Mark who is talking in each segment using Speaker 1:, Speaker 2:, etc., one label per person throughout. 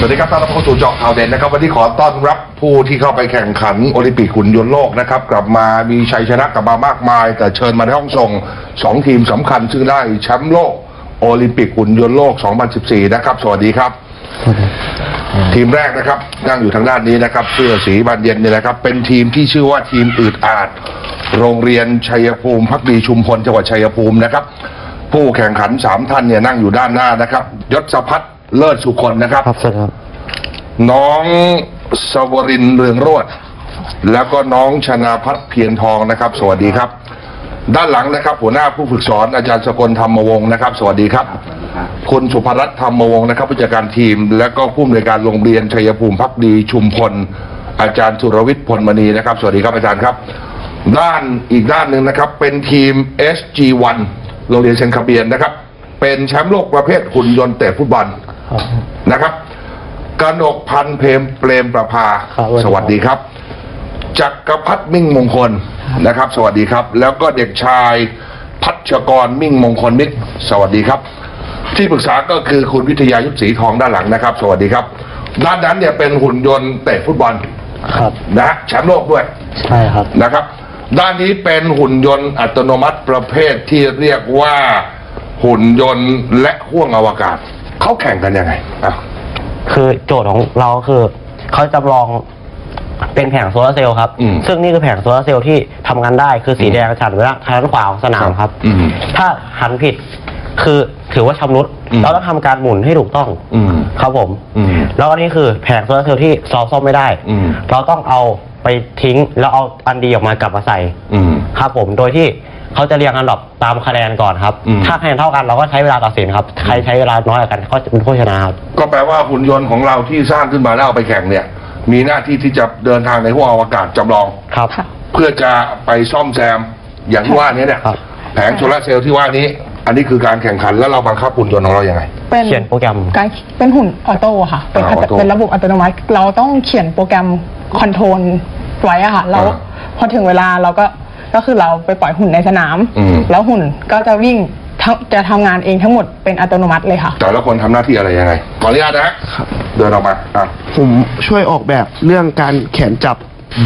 Speaker 1: วัสดีครับต้อนรับเข้าสู่เจาะข่าวเด่นนะครับวันนี้ขอต้อนรับผู้ที่เข้าไปแข่งขันโอลิมปิกหุ่นยนต์โลกนะครับกลับมามีชัยชนะกลับมามากมายแต่เชิญมาในห้องส่ง2ทีมสำคัญซึ่งได้แชมป์โลกโอลิมปิกหุ่นยนต์โลก 2014 นะครับสวัสดีครับทีมแรกนะครับนั่งอยู่ทางด้านนี้นะครับเสื้อสีบานเย็นเนี่ยนะครับเป็นทีมที่ชื่อว่าทีมอืดอาดโรงเรียนชัยภูมิภักดีชุมพลจังหวัดชัยภูมินะครับผู้แข่งขัน3ท่านเนี่ยนั่งอยู่ด้านหน้านะครับยศพัฒน์เลิศสุคนนะครับน้องสวรินทร์เรืองโรจน์แล้วก็น้องชนาพัฒน์เพียรทองนะครับสวัสดีครับด้านหลังนะครับหัวหน้าผู้ฝึกสอนอาจารย์สกลธรรมวงศ์นะครับสวัสดีครับคุณสุภรัตน์ธรรมวงศ์นะครับผู้จัดการทีมและก็ผู้อำนวยการโรงเรียนชัยภูมิภักดีชุมพลอาจารย์สุรวิทย์พลมณีนะครับสวัสดีครับอาจารย์ครับอีกด้านหนึ่งนะครับเป็นทีม SG1 โรงเรียนเซนคาเบียนนะครับเป็นแชมป์โลกประเภทหุ่นยนต์เตะฟุตบอลนะครับกนกพันธ์เปรมประภาสวัสดีครับจักรพัฒน์มิ่งมงคลนะครับสวัสดีครับแล้วก็เด็กชายพัชกรมิ่งมงคลมิตรสวัสดีครับที่ปรึกษาก็คือคุณวิทยายุทธศรีทองด้านหลังนะครับสวัสดีครับด้านนั้นเนี่ยเป็นหุ่นยนต์เตะฟุตบอลนะแชมป์โลกด้วย
Speaker 2: ใช่ครับ
Speaker 1: นะครับด้านนี้เป็นหุ่นยนต์อัตโนมัติประเภทที่เรียกว่าหุ่นยนต์และห้วงอวกาศเขาแข่งกันยังไง
Speaker 2: คือโจทย์ของเราคือเขาจำลองเป็นแผงโซลาร์เซลล์ครับซึ่งนี่คือแผงโซลาร์เซลล์ที่ทำงานได้คือสีแดงฉันไว้ทางด้านขวาของสนามครับถ้าหันผิดคือถือว่าชำรุดเราต้องทำการหมุนให้ถูกต้องครับผมแล้วอันนี้คือแผงโซลาร์เซลล์ที่ซ่อมไม่ได้เราต้องเอาไปทิ้งแล้วเอาอันดีออกมากลับมาใส่ครับผมโดยที่เขาจะเรียงอันดับตามคะแนนก่อนครับถ้าคะแนนเท่ากันเราก็ใช้เวลาตัดสินครับใครใช้เวลาน้อยกว่ากันก็จะเป็นผู้ชนะครับ
Speaker 1: ก็แปลว่าหุ่นยนต์ของเราที่สร้างขึ้นมาแล้วเอาไปแข่งเนี่ยมีหน้าที่ที่จะเดินทางในห้วงอวกาศจำลอง
Speaker 2: ครับ
Speaker 1: เพื่อจะไปซ่อมแซมอย่างที่ว่านี้เนี่ยแผงโซลาร์เซลล์ที่ว่านี้อันนี้คือการแข่งขันแล้วเราบังคับหุ่นยนต์ของเราอย่างไร
Speaker 2: เขียนโปรแกรม
Speaker 3: เป็นหุ่นออโต้ค่ะเป็นระบบอัตโนมัติเราต้องเขียนโปรแกรมคอนโทรลไว้อะค่ะแล้วพอถึงเวลาเราก็คือเราไปปล่อยหุ่นในสนามแล้วหุ่นก็จะวิ่งจะทำงานเองทั้งหมดเป็นอัตโนมัติเลยค่ะ
Speaker 1: แต่ละคนทำหน้าที่อะไรยังไงขออนุญาตนะเดินออกมา
Speaker 4: ผมช่วยออกแบบเรื่องการแขนจับ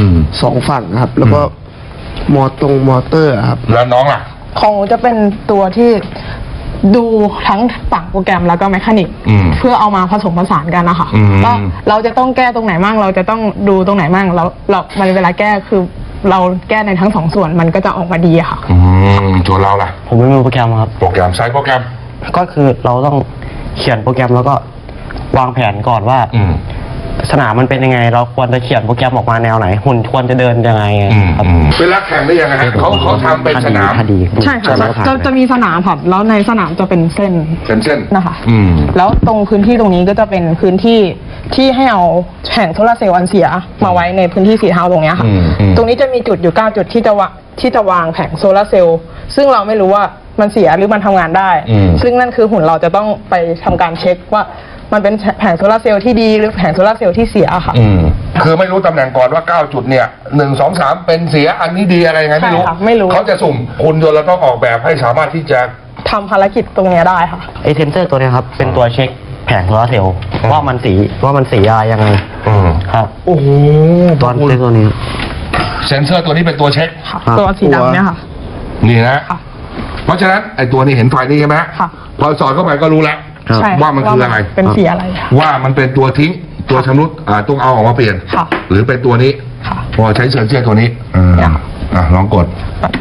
Speaker 4: 2ฝั่งครับแล้วก็มอเตอร์ครับ
Speaker 1: แล้วน้องล่ะ
Speaker 3: ของจะเป็นตัวที่ดูทั้งฝั่งโปรแกรมแล้วก็แมคานิกเพื่อเอามาผสมผสานกันนะคะว่าเราจะต้องแก้ตรงไหนมั่งเราจะต้องดูตรงไหนมั่งแล้วมันเวลาแก้คือเราแก้ในทั้ง2ส่วนมันก็จะออกมาดีค่ะ
Speaker 1: ส่วนเราล่ะ
Speaker 2: ผมไม่มีโปรแกรมครับ
Speaker 1: โปรแกรมใช้โปรแกรม
Speaker 2: ก็คือเราต้องเขียนโปรแกรมแล้วก็วางแผนก่อนว่าสนามมันเป็นยังไงเราควรจะเขียนโปรแกรมออกมาแนวไหนหุ่นควรจะเดินยังไงครับ
Speaker 1: เวลาแข่งได้ยังไงเขาทำเป็นสนาม
Speaker 3: ใช่ค่ะจะมีสนามค่ะแล้วในสนามจะเป็นเส้นนะคะแล้วตรงพื้นที่ตรงนี้ก็จะเป็นพื้นที่ที่ให้เอาแผงโซลาร์เซลล์อันเสียมาไว้ในพื้นที่สีเทาตรงนี้ค่ะตรงนี้จะมีจุดอยู่9จุดที่จะวางแผงโซลาร์เซลล์ซึ่งเราไม่รู้ว่ามันเสียหรือมันทำงานได้ซึ่งนั่นคือหุ่นเราจะต้องไปทำการเช็คว่ามันเป็นแผงโซลาร์เซลล์ที่ดีหรือแผงโซลาร์เซลล์ที่เสียค่ะ
Speaker 1: คือไม่รู้ตำแหน่งก่อนว่า9จุดเนี่ย1 2 3เป็นเสียอันนี้ดีอะไรไงไม่รู้เขาจะสุ่มหุ่นยนต์เราต้องออกแบบให้สามารถที่จะ
Speaker 3: ทำภารกิจตรงนี้ได้ค่ะ
Speaker 2: ไอเซนเซอร์ตัวนี้ครับเป็นตัวเช็คแผงโซลาร์เซลล์ว่ามันสีอะไรยังไงครับ
Speaker 1: โอ้โห
Speaker 2: ตอนเซนตัวนี้
Speaker 1: เซนเซอร์ตัวนี้เป็นตัวเช็ค
Speaker 3: ตัวสีดำเนี่ยค่ะ
Speaker 1: นี่นะเพราะฉะนั้นไอตัวนี้เห็นไฟนี่ใช่ไหมพอสอดเข้าไปก็รู้แล้วว่ามันคืออะไร
Speaker 3: เป็นสีอะไร
Speaker 1: ว่ามันเป็นตัวทิ้งตัวชำรุดต้องเอาออกมาเปลี่ยนหรือเป็นตัวนี้พอใช้เซนเซอร์ตัวนี้ลองกด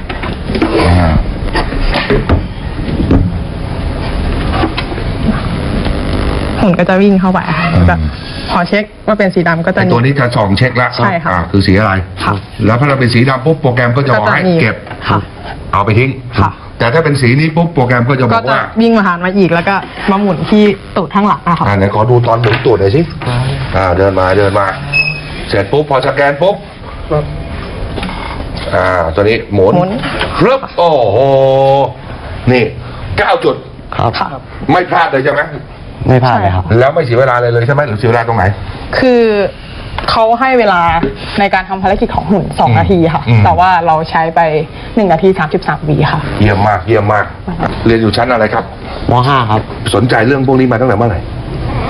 Speaker 3: หุ่นก็จะวิ่งเข้าไปแบบพอเช็คว่าเป็นสีดำก็จะ
Speaker 1: ตัวนี้จะส่องเช็คแล้ว
Speaker 3: ใช่ค่ะ
Speaker 1: คือสีอะไรแล้วพอเราเป็นสีดำปุ๊บโปรแกรมก็จะบอกให้เก็บเอาไปทิ้งแต่ถ้าเป็นสีนี้ปุ๊บโปรแกรมก็จะบอกว่า
Speaker 3: วิ่งมาหามาอีกแล้วก็มาหมุนที่ตูดข้างหลังนะคะ
Speaker 1: ไหนขอดูตอนหมุนตูดหน่อยสิเดินมาเสร็จปุ๊บพอสแกนปุ๊บตัวนี้หมุนครับโอ้โหนี่9จุด
Speaker 2: ครับ
Speaker 1: ไม่พลาดเลยใช่ไหม
Speaker 2: ไม่พลาดเลยครับ
Speaker 1: แล้วไม่เสียเวลาเลยใช่ไหมหรือเสียเวลาตรงไหน
Speaker 3: คือเขาให้เวลาในการทำภารกิจของหุ่น2 นาทีค่ะแต่ว่าเราใช้ไป1 นาที 33 วิค่ะ
Speaker 1: เยี่ยมมากเรียนอยู่ชั้นอะไรครับ
Speaker 2: ม.5 ครับ
Speaker 1: สนใจเรื่องพวกนี้มาตั้งแต่เมื่อไหร่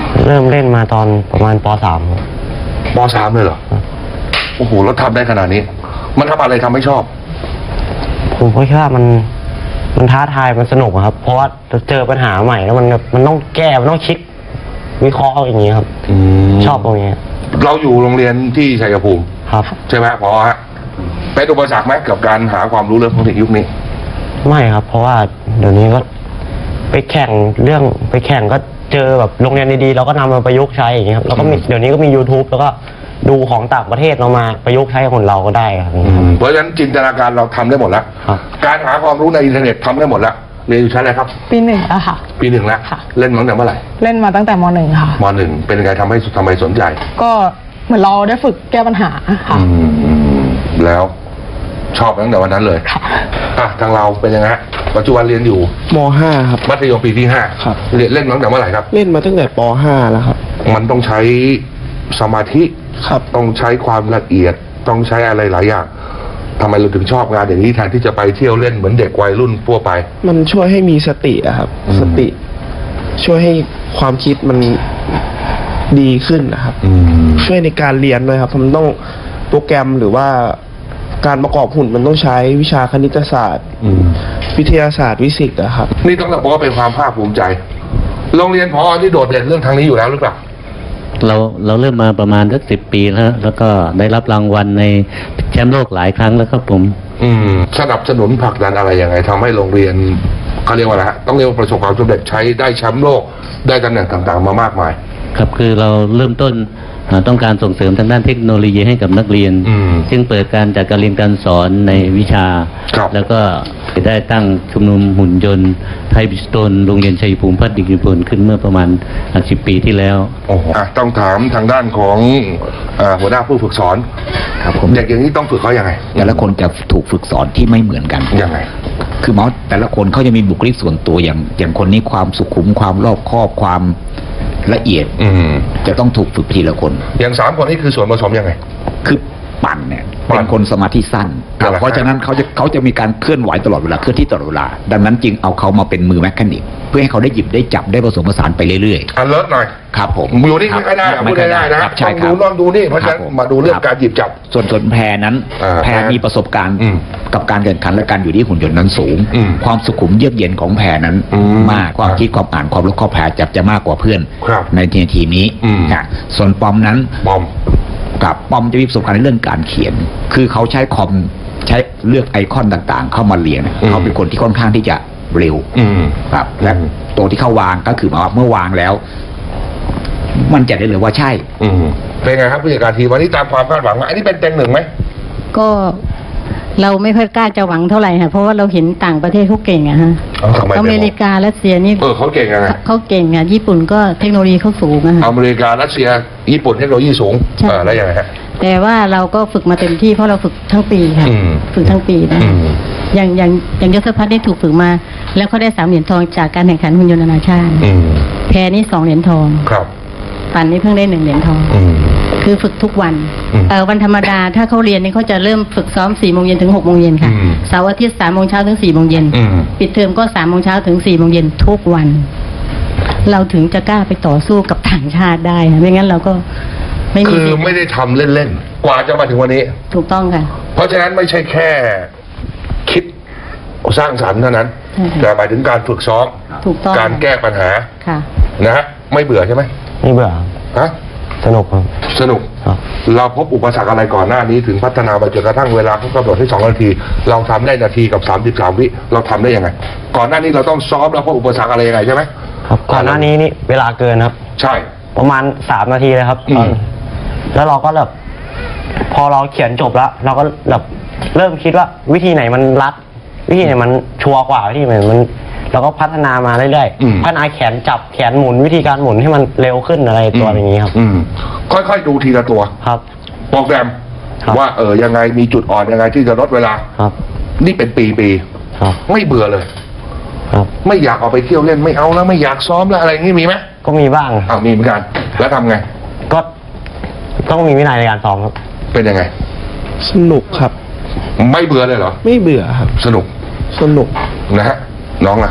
Speaker 2: เริ่มเล่นมาตอนประมาณป .3
Speaker 1: ป .3 เลยเหรอโอ้โหแล้วทำได้ขนาดนี้มันทำอะไรทำให้ชอบ
Speaker 2: ผมก็คิดว่ามันท้าทายมันสนุกครับเพราะว่าเจอปัญหาใหม่แล้วมันต้องแก้มันต้องคิดวิเคราะห์อย่างนี้ครับชอบตรงนี้
Speaker 1: เราอยู่โรงเรียนที่ชัยภูมิ
Speaker 2: ครับ
Speaker 1: ใช่ไหมพอฮะเป็นอุปสรรคไหมกับการหาความรู้เรื่องพวกนี้ยุคนี้
Speaker 2: ไม่ครับเพราะว่าเดี๋ยวนี้ก็ไปแข่งก็เจอแบบโรงเรียนดีๆเราก็นำมาประยุกต์ใช้อย่างนี้ครับแล้วก็เดี๋ยวนี้ก็มี YouTube แล้วก็ดูของต่างประเทศเรามาประยุกต์ใช้คนเราก็ได้ครับ
Speaker 1: เพราะฉะนั้นจินตนาการเราทำได้หมดแล้วการหาความรู้ในอินเทอร์เน็ตทำได้หมดแล้วเรียนอยู่ชั้นอะไรครับ
Speaker 3: ปี 1อะค่ะ
Speaker 1: ปี 1แล้วเล่นมาตั้งแต่เมื่อไหร่
Speaker 3: เล่นมาตั้งแต่ม .1 ค่ะ
Speaker 1: ม .1 เป็นยังไงทำไมสนใจ
Speaker 3: ก็เหมือนเราได้ฝึกแก้ปัญหาค่ะ
Speaker 1: แล้วชอบตั้งแต่วันนั้นเลยทางเราเป็นยังไงปัจจุบันเรียนอยู่
Speaker 4: ม .5 ครับ
Speaker 1: มัธยมปีที่5
Speaker 4: ครับ
Speaker 1: เล่นมาตั้งแต่เมื่อไหร่ครับ
Speaker 4: เล่นมาตั้งแต่ป .5 แล้วครับ
Speaker 1: มันต้องใช้สมาธิ
Speaker 4: ครับ
Speaker 1: ต้องใช้ความละเอียดต้องใช้อะไรหลายอย่างทำไมเราถึงชอบงานอย่างนี้แทนที่จะไปเที่ยวเล่นเหมือนเด็กวัยรุ่นทั่วไป
Speaker 4: มันช่วยให้มีสติอะครับสติช่วยให้ความคิดมันดีขึ้นนะครับช่วยในการเรียนด้วยครับมันต้องโปรแกรมหรือว่าการประกอบหุ่นมันต้องใช้วิชาคณิตศาสตร์วิทยาศาสตร์วิสิกส์อะครับ
Speaker 1: นี่ต้องบอกว่าเป็นความภาคภูมิใจโรงเรียนผอ.ที่โดดเด่นเรื่องทางนี้อยู่แล้วหรือเปล่า
Speaker 5: เราเริ่มมาประมาณสัก10 ปีแล้วก็ได้รับรางวัลในแชมป์โลกหลายครั้งแล้วครับผม
Speaker 1: สนับสนุนผลักดันอะไรยังไงทำให้โรงเรียนเขาเรียกว่าอะไรฮะต้องเรียกว่าประสบความสำเร็จใช้ได้แชมป์โลกได้ตำแหน่งต่างๆมามากมาย
Speaker 5: ครับคือเราเริ่มต้นต้องการส่งเสริมทางด้านเทคโนโลยีให้กับนักเรียนซึ่งเปิดการจัดการเรียนการสอนในวิชาแล้วก็ได้ตั้งชุมนุมหุ่นยนต์ไทยบิสโตนโรงเรียนชัยภูมิพัฒน์ดิกิพลขึ้นเมื่อประมาณ10 ปีที่แล้ว
Speaker 1: ต้องถามทางด้านของหัวหน้าผู้ฝึกสอน
Speaker 6: ครับผม
Speaker 1: เด็กอย่างนี้ต้องฝึกเขายังไง
Speaker 6: แต่ละคนจะถูกฝึกสอนที่ไม่เหมือนกัน
Speaker 1: ยังไง
Speaker 6: คือแต่ละคนเขาจะมีบุคลิกส่วนตัวอย่างคนนี้ความสุขุมความรอบคอบความละเอียดจะต้องถูกฝึกทีละคน
Speaker 1: อย่าง3 คนนี้คือส่วนผสมยังไง
Speaker 6: คือปั่นเนี่ยเป็นคนสมาธิสั้นเพราะฉะนั้นเขาจะมีการเคลื่อนไหวตลอดเวลาเคลื่อนที่ตลอดเวลาดังนั้นจึงเอาเขามาเป็นมือแมคคานิกเพื่อให้เขาได้หยิบได้จับได้ผสมผสานไปเรื่อย
Speaker 1: ๆเลิศหน่อย
Speaker 6: ครับผม
Speaker 1: อยู่นี่ไม่ได้พูดได้นะต้องดูนอนดูนี่เพราะฉะนั้นมาดูเรื่องการหยิบจับ
Speaker 6: ส่วนแพรนั้นแพรมีประสบการณ์กับการแข่งขันและการอยู่ที่หุ่นยนต์นั้นสูงความสุขุมเยือกเย็นของแพรนั้นมากความคิดความอ่านความรู้ข้อแพรจะมากกว่าเพื่อนในทีมนี้ส่วนปอมนั้นกับปอมจะมีประสบการณ์ในเรื่องการเขียนคือเขาใช้คอมใช้เลือกไอคอนต่างๆเข้ามาเรียนเขาเป็นคนที่ค่อนข้างที่จะเร็วครับและตัวที่เขาวางก็คือเมื่อวางแล้วมันจะได้เลยว่าใช่
Speaker 1: เป็นไงครับผู้จัดการทีมวันนี้ตามความคาดหวังอันนี้เป็นเต็ง1ไหม
Speaker 7: ก็เราไม่ค่อยกล้าจะหวังเท่าไหร่ค่ะเพราะว่าเราเห็นต่างประเทศเขาเก่งอะฮะอเมริการัสเซียนี่
Speaker 1: เขาเก่งยังไง
Speaker 7: เขาเก่งอะญี่ปุ่นก็เทคโนโลยีเขาสูงอะ
Speaker 1: อเมริการัสเซียญี่ปุ่นเทคโนโลยีสูงแล้วยังไงฮะ
Speaker 7: แต่ว่าเราก็ฝึกมาเต็มที่เพราะเราฝึกทั้งปีค่ะฝึกทั้งปีนะอย่างยศพัฒน์ได้ถูกฝึกมาแล้วเขาได้3 เหรียญทองจากการแข่งขันหุ่นยนต์นานาชาติแพรนี่2 เหรียญทอง
Speaker 1: ครับ
Speaker 7: ปั่นนี่เพิ่งได้1 เหรียญทองคือฝึกทุกวันวันธรรมดาถ้าเขาเรียนนี่เขาจะเริ่มฝึกซ้อม4 โมงเย็นถึง6 โมงเย็นค่ะเสาร์อาทิตย์3 โมงเช้าถึง4 โมงเย็นปิดเทอมก็3 โมงเช้าถึง4 โมงเย็นทุกวันเราถึงจะกล้าไปต่อสู้กับต่างชาติได้ไม่งั้นเราก็
Speaker 1: คือไม่ได้ทำเล่นๆกว่าจะมาถึงวันนี้
Speaker 7: ถูกต้องค่ะ
Speaker 1: เพราะฉะนั้นไม่ใช่แค่คิดสร้างสรรค์เท่านั้นแต่หมายถึงการฝึกซ้อมการแก้ปัญหานะฮะไม่เบื่อใช่ไหม
Speaker 2: ไม่เบื่อสนุกครับ
Speaker 1: สนุกเราพบอุปสรรคอะไรก่อนหน้านี้ถึงพัฒนาไปจนกระทั่งเวลาเขากำหนดให้2 นาทีเราทำได้นาทีกับ33 วิเราทำได้ยังไงก่อนหน้านี้เราต้องซ้อมแล้วพบอุปสรรคอะไรยังไงใช่ไหม
Speaker 2: ครับก่อนหน้านี้นี่เวลาเกินครับ
Speaker 1: ใช่
Speaker 2: ประมาณ3 นาทีเลยครับแล้วเราก็แบบพอเราเขียนจบแล้วเราก็แบบเริ่มคิดว่าวิธีไหนมันรัดวิธีไหนมันชัวร์กว่าวิธีไหนมันเราก็พัฒนามาเรื่อยๆพัฒนาแขนจับแขนหมุนวิธีการหมุนให้มันเร็วขึ้นอะไรตัวอย่างนี้ครับ
Speaker 1: ค่อยๆดูทีละตัว
Speaker 2: ครับ
Speaker 1: โปรแกรมว่ายังไงมีจุดอ่อนยังไงที่จะลดเวลา
Speaker 2: ครับ
Speaker 1: นี่เป็นปีๆไม่เบื่อเลย
Speaker 2: ครับ
Speaker 1: ไม่อยากออกไปเที่ยวเล่นไม่เอาแล้วไม่อยากซ้อมแล้วอะไรงี้มีไหม
Speaker 2: ก็มีบ้าง
Speaker 1: มีเหมือนกันแล้วทำไง
Speaker 2: ก็ต้องมีวินัยในการซ้อมครับ
Speaker 1: เป็นยังไง
Speaker 4: สนุกครับ
Speaker 1: ไม่เบื่อเลยเหรอ
Speaker 4: ไม่เบื่อครับ
Speaker 1: สนุก
Speaker 4: นะ
Speaker 1: ฮะน้องล่ะ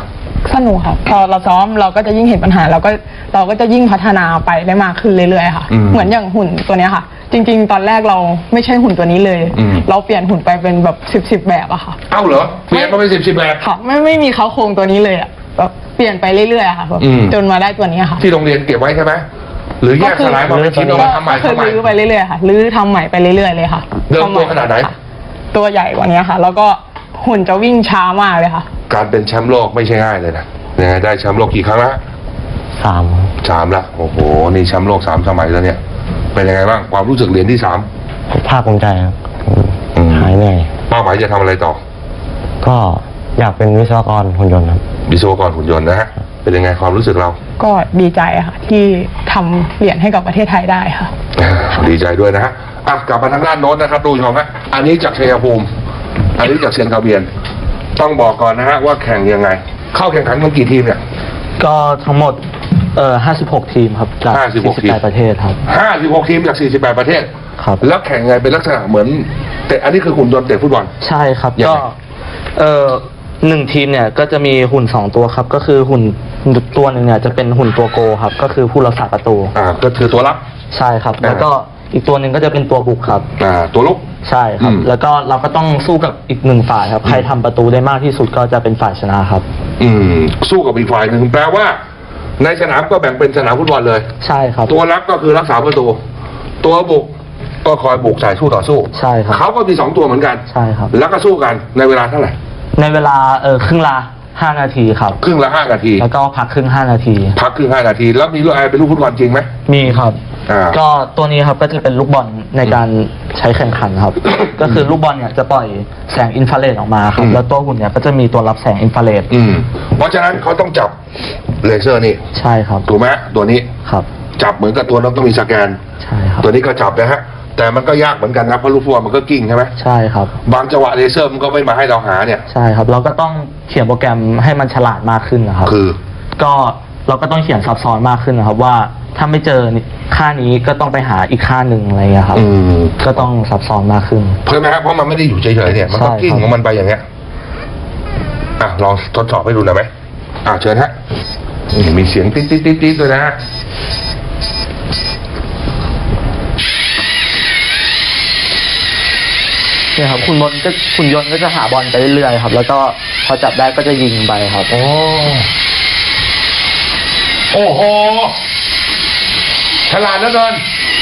Speaker 3: สนุกค่ะพอเราซ้อมเราก็จะยิ่งเห็นปัญหาเราก็จะยิ่งพัฒนาไปได้มากขึ้นเรื่อยๆค่ะเหมือนอย่างหุ่นตัวเนี้ยค่ะจริงๆตอนแรกเราไม่ใช่หุ่นตัวนี้เลยเราเปลี่ยนหุ่นไปเป็นแบบ10แบบอะค่ะ
Speaker 1: เอ้าเหรอเปลี่ยนมาเป็น10แบบ
Speaker 3: ค่ะไม่มีเขาโครงตัวนี้เลยอะแบบเปลี่ยนไปเรื่อยๆค่ะจนมาได้ตัวนี้ค่ะ
Speaker 1: ที่โรงเรียนเก็บไว้ใช่ไหมหรือแยกสลายมาเป็นชิ้นเอามาทำใหม่
Speaker 3: ก็ลื้อไปเรื่อยๆค่ะลื้อทำใหม่ไปเรื่อยๆเลยค่ะ
Speaker 1: เดิมตัวขนาดไหน
Speaker 3: ตัวใหญ่กว่านี้ค่ะแล้วก็หุ่นจะวิ่งช้ามากเลยค่ะ
Speaker 1: การเป็นแชมป์โลกไม่ใช่ง่ายเลยนะยังไงได้แชมป์โลกกี่ครั้งละ3ละโอ้โหนี่แชมป์โลก3 สมัยแล้วเนี่ยเป็นยังไงบ้างความรู้สึกเหรียญที่3
Speaker 2: ภาคภูมิใจครับหายเหนื่อย
Speaker 1: เป้าหมายจะทำอะไรต่อ
Speaker 2: ก็อยากเป็นวิศวกรหุ่นยนต์ครับ
Speaker 1: วิศวกรหุ่นยนต์นะฮะเป็นยังไงความรู้สึกเรา
Speaker 3: ก็ดีใจค่ะที่ทำเหรียญให้กับประเทศไทยได้ค่ะ
Speaker 1: ดีใจด้วยนะฮะกลับมาทางด้านโน้นนะครับดูชมฮะอันนี้จากชัยภูมิอันนี้จากเชียงคาเบียนต้องบอกก่อนนะฮะว่าแข่งยังไงเข้าแข่งขันกันกี่ทีมเนี่ย
Speaker 2: ก็ทั้งหมด56 ทีมครับจาก48ประเทศครับ
Speaker 1: 56 ทีมจาก48ประเทศ
Speaker 2: ครับ
Speaker 1: แล้วแข่งไงเป็นลักษณะเหมือนแต่อันนี้คือหุ่นยนต์เตะฟุตบอล
Speaker 2: ใช่ครับก็1 ทีมเนี่ยก็จะมีหุ่น2 ตัวครับก็คือหุ่นตัวหนึ่งเนี่ยจะเป็นหุ่นตัวโกครับก็คือผู้รักษาประตู
Speaker 1: ก็คือตัวรับ
Speaker 2: ใช่ครับแล้วก็อีกตัวหนึ่งก็จะเป็นตัวบุกครับ
Speaker 1: ตัวลุก
Speaker 2: ใช่ครับแล้วก็เราก็ต้องสู้กับอีก1 ฝ่ายครับใครทำประตูได้มากที่สุดก็จะเป็นฝ่ายชนะครับ
Speaker 1: สู้กับอีกฝ่ายหนึ่งแปลว่าในสนามก็แบ่งเป็นสนามฟุตบอลเลย
Speaker 2: ใช่ครับ
Speaker 1: ตัวรับก็คือรักษาประตูตัวบุกก็คอยบุกใส่สู้ต่อสู้
Speaker 2: ใช่ครับ
Speaker 1: เขาก็มี2 ตัวเหมือนกัน
Speaker 2: ใช่ครับ
Speaker 1: แล้วก็สู้กันในเวลาเท่าไหร่
Speaker 2: ในเวลาครึ่งละ5 นาทีครับ
Speaker 1: ครึ่งละ5 นาที
Speaker 2: แล้วก็พักครึ่ง5 นาที
Speaker 1: พักครึ่ง5 นาทีแล้วมีลูกเป็นลูกฟุตบอลจริงไหม
Speaker 2: มีครับก็ตัวนี้ครับก็จะเป็นลูกบอลในการใช้แข่งขันครับ ก็คือลูกบอลเนี่ยจะปล่อยแสงอินฟราเรดออกมาครับแล้วตัวหุ่นเนี่ยก็จะมีตัวรับแสงอินฟราเรด
Speaker 1: เพราะฉะนั้นเขาต้องจับเลเซอร์นี่
Speaker 2: ใช่ครับ
Speaker 1: ถูกไหมตัวนี้
Speaker 2: ครับ
Speaker 1: จับเหมือนกับตัวนั้นต้องมีสแกน
Speaker 2: ใช่ครับ
Speaker 1: ตัวนี้ก็จับนะฮะแต่มันก็ยากเหมือนกันนะเพราะลูกฟุตบอลมันก็กิ้งใช่ไหม
Speaker 2: ใช่ครับ
Speaker 1: บางจังหวะเลเซอร์มันก็ไม่มาให้เราหาเนี่ย
Speaker 2: ใช่ครับเราก็ต้องเขียนโปรแกรมให้มันฉลาดมากขึ้นนะครับ
Speaker 1: คือ
Speaker 2: ก็เราก็ต้องเขียนซับซ้อนมากขึ้นนะครับว่าถ้าไม่เจอค่านี้ก็ต้องไปหาอีกค่าหนึ่งอะไรอย่างเงี้ยครับก็ต้องซับซ้อนมากขึ้น
Speaker 1: ใช่ไหมครับเพราะมันไม่ได้อยู่เฉยๆเนี่ยมันก็กิ้งของมันไปอย่างเงี้ยลองทดสอบให้ดูหน่อยไหมเชิญฮะมีเสียงติ๊ดติ๊ดติ๊ดติ๊ดด้วยนะฮะ
Speaker 2: เนี่ยครับคุณยนต์ก็จะหาบอลไปเรื่อยๆครับแล้วก็พอจับได้ก็จะยิงไปครับ
Speaker 1: โอ้โหฉลาดเหลือเกิน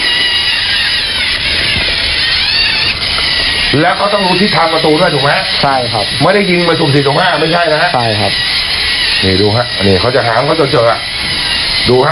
Speaker 1: แล้วเขาต้องรู้ทิศทางประตูด้วยถูกไหม
Speaker 2: ใช่ครับ
Speaker 1: ไม่ได้ยิงมาสุ่ม4 สุ่ม 5ไม่ใช่นะ
Speaker 2: ใช่ครับ
Speaker 1: นี่ดูฮะนี่เขาจะหาเขาจะเจอดูฮะ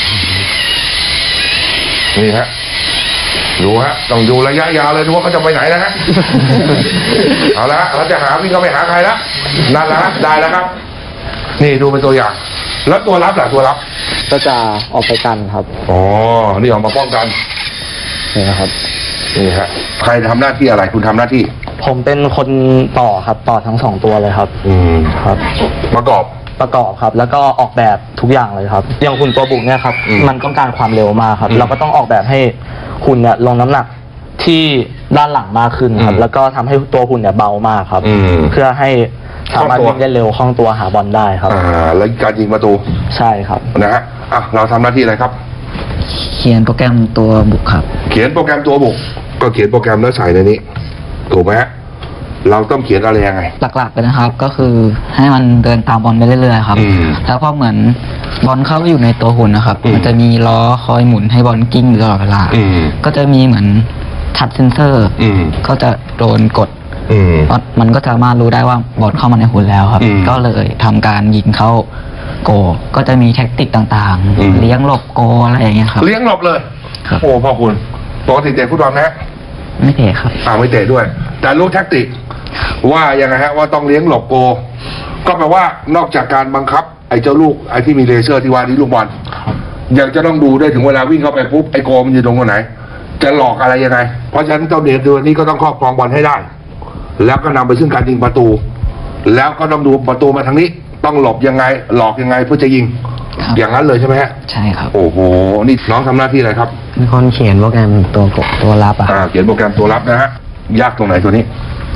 Speaker 1: นี่ฮะดูฮะต้องดูระยะยาวเลยดูว่าเขาจะไปไหนนะฮะเอาละเราจะหาวิ่งเขาไปหาใครละนั่นแหละได้แล้วครับนี่ดูเป็นตัวอย่างแล้วตัวรับล่ะตัวรับ
Speaker 2: ก็จะออกไปกันครับ
Speaker 1: นี่ออกมาป้องกัน
Speaker 2: นี่นะครับ
Speaker 1: นี่ฮะใครทำหน้าที่อะไรคุณทำหน้าที่
Speaker 2: ผมเป็นคนต่อครับต่อทั้ง2 ตัวเลยครับครับ
Speaker 1: ประกอบ
Speaker 2: ครับแล้วก็ออกแบบทุกอย่างเลยครับอย่างหุ่นตัวบุกเนี่ยครับมันต้องการความเร็วมากครับเราก็ต้องออกแบบให้หุ่นเนี่ยลงน้ำหนักที่ด้านหลังมากขึ้นครับแล้วก็ทำให้ตัวหุ่นเนี่ยเบามากครับเพื่อให้สามารถวิ่งได้เร็วคล่องตัวหาบอลได้ครับ
Speaker 1: แล้วการยิงประตู
Speaker 2: ใช่ครับ
Speaker 1: นะฮะเราทำหน้าที่อะไรครับ
Speaker 8: เขียนโปรแกรมตัวบุกครับ
Speaker 1: เขียนโปรแกรมตัวบุกก็เขียนโปรแกรมแล้วใส่ในนี้ถูกไหมฮะเราต้องเขียนอะไรยังไง
Speaker 8: หลักๆเลยนะครับก็คือให้มันเดินตามบอลไปเรื่อยๆครับแล้วพอเหมือนบอลเข้าไปอยู่ในตัวหุ่นนะครับมันจะมีล้อคอยหมุนให้บอลกิ้งตลอดเวลาก็จะมีเหมือนทัชเซนเซอร์ก็จะโดนกดมันก็จะมารู้ได้ว่าบอลเข้ามาในหุ่นแล้วครับก็เลยทำการยิงเข้าโกก็จะมีแท็กติกต่างๆเลี้ยงหลบโกอะไรอย่างเงี้ยครับ
Speaker 1: เลี้ยงหลบเลยโอ้พ่อคุณปกติเตะฟุตบอลนะ
Speaker 8: ไม่เตะครับ
Speaker 1: ไม่เตะด้วยแต่รู้แท็กติกว่ายังไงฮะว่าต้องเลี้ยงหลบโกก็แปลว่านอกจากการบังคับไอ้เจ้าลูกไอ้ที่มีเลเซอร์ที่ว่านี้ลูกบอลยังจะต้องดูด้วยถึงเวลาวิ่งเข้าไปปุ๊บไอ้โกมันอยู่ตรงไหนจะหลอกอะไรยังไงเพราะฉะนั้นเจ้าเด็กตัวนี้ก็ต้องครอบครองบอลให้ได้แล้วก็นำไปซึ่งการยิงประตูแล้วก็ต้องดูประตูมาทางนี้ต้องหลบยังไงหลอกยังไงเพื่อจะยิงอย่างนั้นเลยใช่ไหมฮะ
Speaker 8: ใช่ครับ
Speaker 1: โอ้โหนี่น้องทำหน้าที่อะไรครับ
Speaker 2: เป็นคนเขียนโปรแกรมตัวรับ
Speaker 1: เขียนโปรแกรมตัวรับนะฮะยากตรงไหนตัวนี้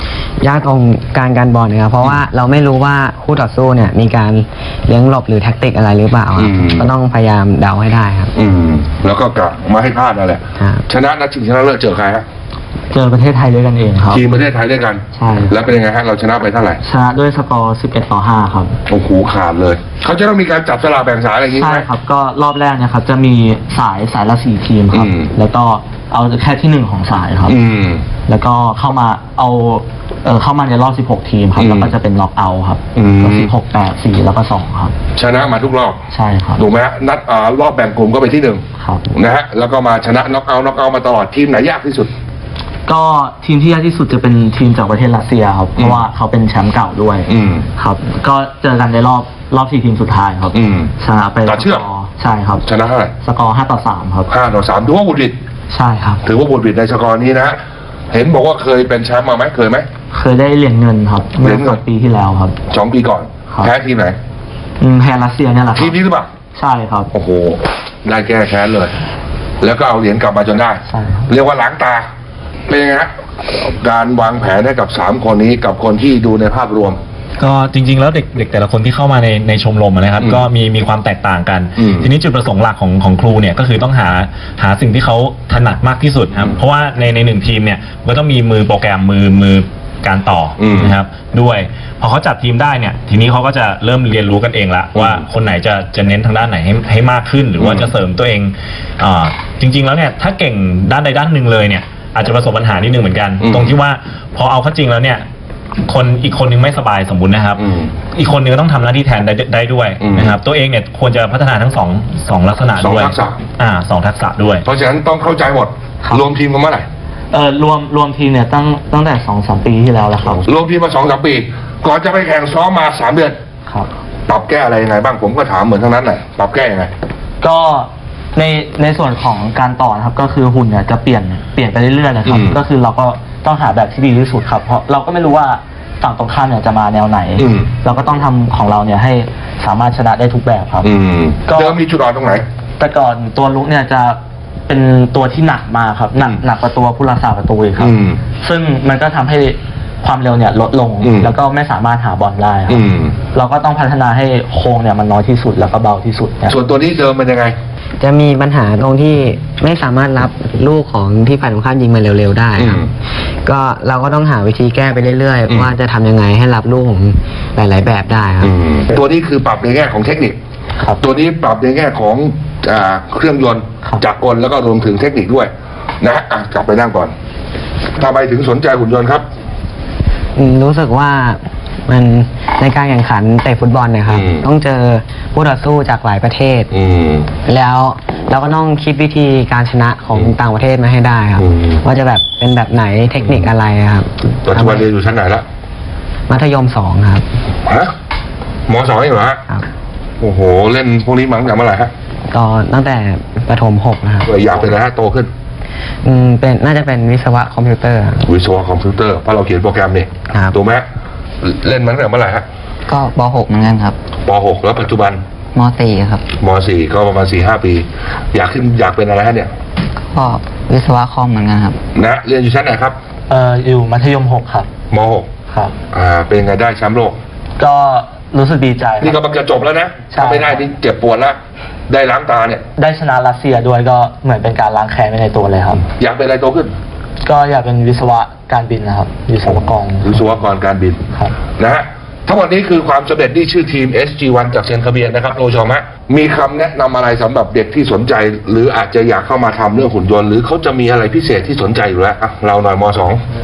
Speaker 8: ยากตรงการบอลนะครับเพราะว่าเราไม่รู้ว่าคู่ต่อสู้เนี่ยมีการเลี้ยงหลบหรือแท็กติกอะไรหรือเปล่าก็ต้องพยายามเดาให้ได้ครับ
Speaker 1: แล้วก็กลับมาให้พลาดนั่นแหละชนะนัดชิงชนะเลิศเจอใครฮะ
Speaker 8: เจอประเทศไทยด้วยกันเองครับ
Speaker 1: ทีมประเทศไทยด้วยกัน
Speaker 8: ใช่
Speaker 1: แล้วเป็นยังไงฮะเราชนะไปเท่าไหร่
Speaker 8: ชนะด้วยสกอร์11-5ครับ
Speaker 1: โอ้โหขาดเลยเขาจะต้องมีการจับสลากแบ่งสายอะไรอย่างงี้
Speaker 8: ใช่ครับก็รอบแรกเนี่ยครับจะมีสายละ4ทีมครับแล้วก็เอาแค่ที่1ของสายครับแล้วก็เข้ามาเข้ามาในรอบ16ทีมครับแล้วก็จะเป็นน็อกเอาท์ครับก็16 8 4แล้วก็2ครับ
Speaker 1: ชนะมาทุกรอบ
Speaker 8: ใช่ครับ
Speaker 1: ถูกไหมฮะนัดรอบแบ่งกลุ่มก็ไปที่1
Speaker 8: ครับ
Speaker 1: นะฮะแล้วก็มาชนะน็อกเอาท์มาตลอดทีมไหนยากที่สุด
Speaker 8: ก็ทีมที่ยากที่สุดจะเป็นทีมจากประเทศรัสเซียครับเพราะว่าเขาเป็นแชมป์เก่าด้วยครับก็เจอกันในรอบ4ทีมสุดท้ายครับชนะไป
Speaker 1: ต่อเชือก
Speaker 8: ใช่ครับ
Speaker 1: ชนะเท่าไหร่
Speaker 8: สกอร์5-3ครับ
Speaker 1: 5-3ถือว่าบุญวิด
Speaker 8: ใช่ครับ
Speaker 1: ถือว่าบุญวิดในสกอร์นี้นะเห็นบอกว่าเคยเป็นแชมป์มาไหมเคยไหม
Speaker 8: เคยได้เหรียญเงินครับเมื่อ2 ปีที่แล้วครับ
Speaker 1: 2 ปีก่อนแพ้ทีมไหน
Speaker 8: แพ้รัสเซียเนี่ยแหละ
Speaker 1: ทีมนี้หรือเปล่า
Speaker 8: ใช่ครับ
Speaker 1: โอ้โหได้แก้แค้นเลยแล้วก็เอาเหรียญกลับมาจนได้เรียกว่าล้างตาเป็นยังไงฮะการวางแผนให้กับ3คนนี้กับคนที่ดูในภาพรวม
Speaker 9: ก็จริงๆแล้วเด็กแต่ละคนที่เข้ามาในชมรมนะครับก็มีความแตกต่างกันทีนี้จุดประสงค์หลักของครูเนี่ยก็คือต้องหาสิ่งที่เขาถนัดมากที่สุดครับเพราะว่าใน1ทีมเนี่ยก็ต้องมีมือโปรแกรมมือการต่อนะครับด้วยพอเขาจัดทีมได้เนี่ยทีนี้เขาก็จะเริ่มเรียนรู้กันเองละว่าคนไหนจะเน้นทางด้านไหนให้มากขึ้นหรือว่าจะเสริมตัวเองจริงๆแล้วเนี่ยถ้าเก่งด้านใดด้านหนึ่งเลยเนี่ยอาจจะประสบปัญหานิดนึงเหมือนกันตรงที่ว่าพอเอาเข้าจริงแล้วเนี่ยอีกคนนึงไม่สบายสมบูรณ์นะครับอีกคนนึงก็ต้องทำหน้าที่แทนได้ด้วยนะครับตัวเองเนี่ยควรจะพัฒนาทั้งสองลักษณะด้วย
Speaker 1: 2 ทักษะ
Speaker 9: 2 ทักษะด้วย
Speaker 1: เพราะฉะนั้นต้องเข้าใจหมดรวมทีมกันเมื่อไหร่
Speaker 8: รวมทีมเนี่ยตั้งแต่ 2-3 ปีที่แล้วแล้วครับ
Speaker 1: รวมทีมมา 2-3 ปีก่อนจะไปแข่งซ้อมมา3 เดือน
Speaker 8: ครับ
Speaker 1: ปรับแก้อะไรยังไงบ้างผมก็ถามเหมือนทั้งนั้นแหละปรับแก้ยังไง
Speaker 8: ก็ในส่วนของการต่อครับก็คือหุ่นเนี่ยจะเปลี่ยนไปเรื่อยๆนะครับก็คือเราก็ต้องหาแบบที่ดีที่สุดครับเพราะเราก็ไม่รู้ว่าฝั่งตรงข้ามเนี่ยจะมาแนวไหนเราก็ต้องทำของเราเนี่ยให้สามารถชนะได้ทุกแบบครับ
Speaker 1: ก็เดิมมีจุดอ่อนตรงไหน
Speaker 8: แต่ก่อนตัวลุกเนี่ยจะเป็นตัวที่หนักมาครับหนักกว่าตัวผู้รักษาประตูครับซึ่งมันก็ทำให้ความเร็วเนี่ยลดลงแล้วก็ไม่สามารถหาบอลได้ครับเราก็ต้องพัฒนาให้โค้งเนี่ยมันน้อยที่สุดแล้วก็เบาที่สุด
Speaker 1: ส่วนตัวนี้เดิมเป็นยังไง
Speaker 8: จะมีปัญหาตรงที่ไม่สามารถรับลูกของที่ฝ่ายตรงข้ามยิงมาเร็วๆได้ครับก็เราก็ต้องหาวิธีแก้ไปเรื่อยๆว่าจะทำยังไงให้รับลูกของหลายๆแบบได้ครับ
Speaker 1: ตัวนี้คือปรับในแง่ของเทคนิคตัวนี้ปรับในแง่ของเครื่องยนต์จักรกลแล้วก็รวมถึงเทคนิคด้วยนะกลับไปนั่งก่อนทำไมถึงสนใจหุ่นยนต์ครับ
Speaker 8: รู้สึกว่ามันในการแข่งขันเตะฟุตบอลเนี่ยครับต้องเจอผู้ต่อสู้จากหลายประเทศแล้วเราก็ต้องคิดวิธีการชนะของต่างประเทศมาให้ได้ครับว่าจะแบบเป็นแบบไหนเทคนิคอะไรครับ
Speaker 1: ปัจจุบันเรียนอยู่ชั้นไหนละ
Speaker 8: มัธยม2ครับ
Speaker 1: ฮะม2เองเหรอฮะโอ้โหเล่นพวกนี้มาตั้งแต่เมื่อไหร่ฮะ
Speaker 8: ก็ตั้งแต่ประถม6นะครับ
Speaker 1: อยากเป็นอะไรฮะโตขึ้น
Speaker 8: เป็นน่าจะเป็นวิศวะคอมพิวเตอร์
Speaker 1: วิศวะคอมพิวเตอร์เพราะเราเขียนโปรแกรมนี่ถูกไหมเล่นมาตั้งแต่เมื่อไหร่ฮะ
Speaker 8: ก็ป.6 เหมือนกันครับ
Speaker 1: ป.6 แล้วปัจจุบัน
Speaker 8: ม.4 ครับ
Speaker 1: ม.4 ก็ประมาณ 4-5 ปีอยากเป็นอะไรฮะเนี่ย
Speaker 8: ก็วิศวะคอมเหมือนกันครับ
Speaker 1: นะเรียนอยู่ชั้นไหนครับ
Speaker 8: อยู่มัธยม6ครับ
Speaker 1: ม.6
Speaker 8: ครับ
Speaker 1: เป็นไงได้แชมป์โลก
Speaker 8: ก็รู้สึกดีใจ
Speaker 1: นี่ก็กำลังจะจบแล้วนะถ้าไม่ได้นี่เจ็บปวดแล้วได้ล้างตาเนี่ย
Speaker 8: ได้ชนะรัสเซียด้วยก็เหมือนเป็นการล้างแค้นไปในตัวเลยครับ
Speaker 1: อยากเป็นอะไรโตขึ้น
Speaker 8: ก็อยากเป็นวิศวะการบินนะครับวิศวก
Speaker 1: รการบินนะฮะทั้งหมดนี้คือความสำเร็จที่ชื่อทีม SG1 จากเซนคาเบียนนะครับโรชมะมีคำแนะนำอะไรสำหรับเด็กที่สนใจหรืออาจจะอยากเข้ามาทำเรื่องหุ่นยนต์หรือเขาจะมีอะไรพิเศษที่สนใจอยู่แล้วเราหน่อยม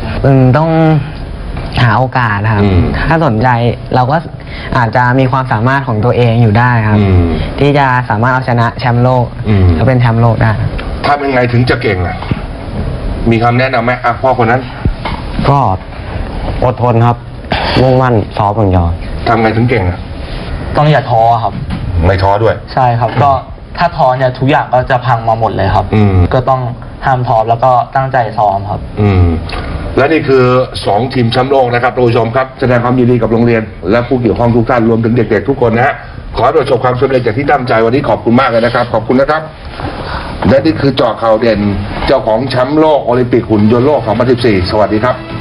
Speaker 8: .2 ต้องหาโอกาสครับถ้าสนใจเราก็อาจจะมีความสามารถของตัวเองอยู่ได้ครับที่จะสามารถเอาชนะแชมป์โลกและเป็นแชมป์โลกได้
Speaker 1: ถ้าเป็นไงถึงจะเก่งมีคำแนะนำไหมพ่อคนนั้น
Speaker 2: ก็อดทนครับมุ่งมั่นซ้อมอย่างเดียว
Speaker 1: ทำไงถึงเก่ง
Speaker 8: ต้องอย่าท้อครับ
Speaker 1: ไม่ท้อด้วย
Speaker 8: ใช่ครับก็ถ้าท้อเนี่ยทุกอย่างก็จะพังมาหมดเลยครับก็ต้องห้ามท้อแล้วก็ตั้งใจซ้อมครับ
Speaker 1: และนี่คือ2ทีมแชมป์โลกนะครับท่านผู้ชมครับแสดงความยินดีกับโรงเรียนและผู้เกี่ยวข้องทุกท่านรวมถึงเด็กๆทุกคนนะฮะขอให้ประสบความสำเร็จจากที่ตั้งใจวันนี้ขอบคุณมากเลยนะครับขอบคุณนะครับและนี่คือเจาะข่าวเด่นเจ้าของแชมป์โลกโอลิมปิกหุ่นยนต์โลก 2014 สวัสดีครับ